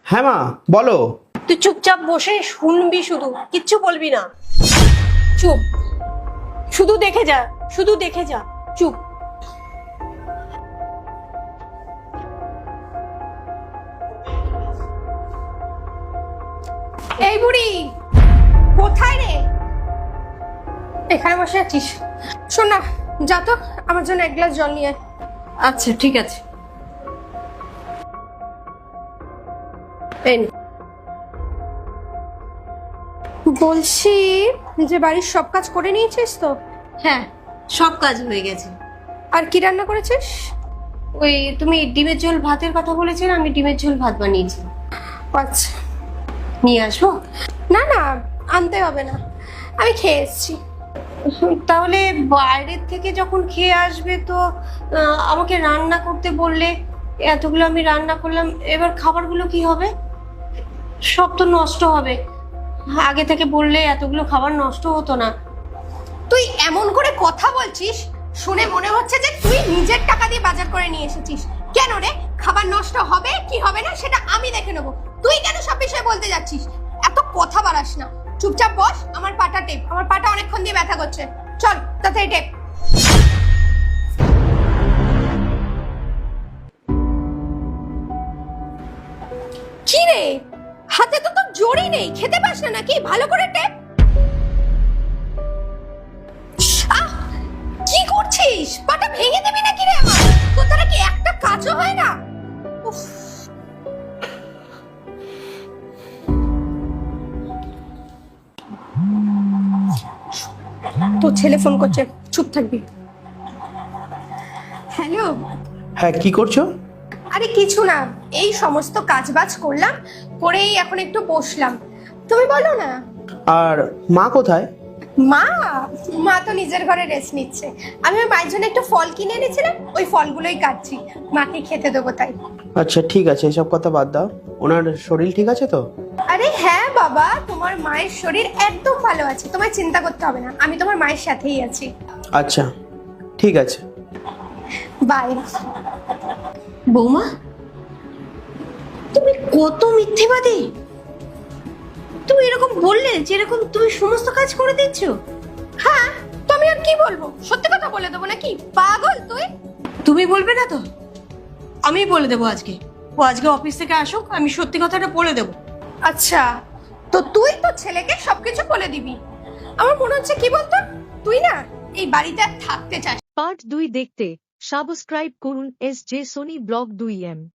হ্যাঁ মা, বলো। তুই চুপচাপ বসে শুনবি, শুধু কিচ্ছু বলবি না। চুপ, শুধু দেখে যা, শুধু দেখে যা, চুপ। এই বুড়ি কোথায় রে? এখানে বসে আছিস? শোন না, যা তো আমার জন্য এক গ্লাস জল নিয়ে আয়। আচ্ছা ঠিক আছে। বলছি যে বাড়ির সব কাজ করে নিয়েছিস তো? হ্যাঁ, সব কাজ হয়ে গেছে। আর কি রান্না করেছিস? ওই তুমি ডিমের ঝোল ভাতের কথা বলেছিলে, আমি ডিমের ঝোল ভাত বানিয়েছি। আচ্ছা, নিয়ে আসবো? না না, আনতে হবে না, আমি খেয়ে এসেছি। তাহলে বাইরের থেকে যখন খেয়ে আসবে তো আমাকে রান্না করতে বললে, এতগুলো আমি রান্না করলাম, এবার খাবারগুলো কি হবে? সব তো নষ্ট হবে। আগে থেকে বললে এতগুলো খাবার নষ্ট হতো না। তুই এমন করে কথা বলছিস, শুনে মনে হচ্ছে যে তুই নিজের টাকা দিয়ে বাজার করে নিয়ে এসেছিস। কেন রে? খাবার নষ্ট হবে কি হবে না সেটা আমি দেখে নেবো, তুই কেন সব বিষয়ে বলতে যাচ্ছিস? এত কথা বাড়াস না, চুপচাপ বস। আমার পাটা টেপ, আমার পাটা অনেকক্ষণ দিয়ে ব্যথা করছে। চল তাড়াতাড়ি টেপ। কি রে, হাতে তো তোর জোরই নেই, খেতে পাস না নাকি? ভালো করে টেপ। আহ, কি করছিস? পাটা ভেঙে দিবি নাকি রে আমার? তোর দ্বারা কি একটা কাজও হয় না? উফ। তোর ছেলে ফোন করছে, চুপ থাকবি। হ্যালো। হ্যাঁ, কি করছো? আরে কিছু না, এই সমস্ত কাজবাজ করলাম, করেই এখন একটু বসলাম। তুমি বলো না। আর মা কোথায়? মা মা তো নিজের ঘরে রেস্ট নিচ্ছে। আমি ওই মায়ের জন্য একটু ফল কিনে এনেছিলাম, ওই ফলগুলোই কাটছি, মাকে খেতে দেবো তাই। আচ্ছা ঠিক আছে, এসব কথা বাদ দাও। ওনার শরীর ঠিক আছে তো? আরে হ্যাঁ বাবা, তোমার মায়ের শরীর একদম ভালো আছে, তোমায় চিন্তা করতে হবে না, আমি তোমার মায়ের সাথেই আছি। আচ্ছা ঠিক আছে, বাই। বৌমা, তুমি কত মিথ্যেবাদী! তুমি এরকম বললে যে এরকম তুমি সমস্ত কাজ করে দিচ্ছ। হ্যাঁ, তো আমি আর কি বলবো? সত্যি কথা বলে দেবো নাকি? পাগল তুই। তুমি বলবে না তো? আমি বলে দেবো আজকে। ও আজকে অফিস থেকে আসুক, আমি সত্যি কথাটা বলে দেবো। আচ্ছা, তো তুই তো ছেলেকে সবকিছু বলে দিবি। আমার মনে হচ্ছে কি বলতো, তুই না এই বাড়িতে আর থাকতে চাস। পার্ট 2 দেখতে সাবস্ক্রাইব করুন SJ সোনি ব্লগ 2M।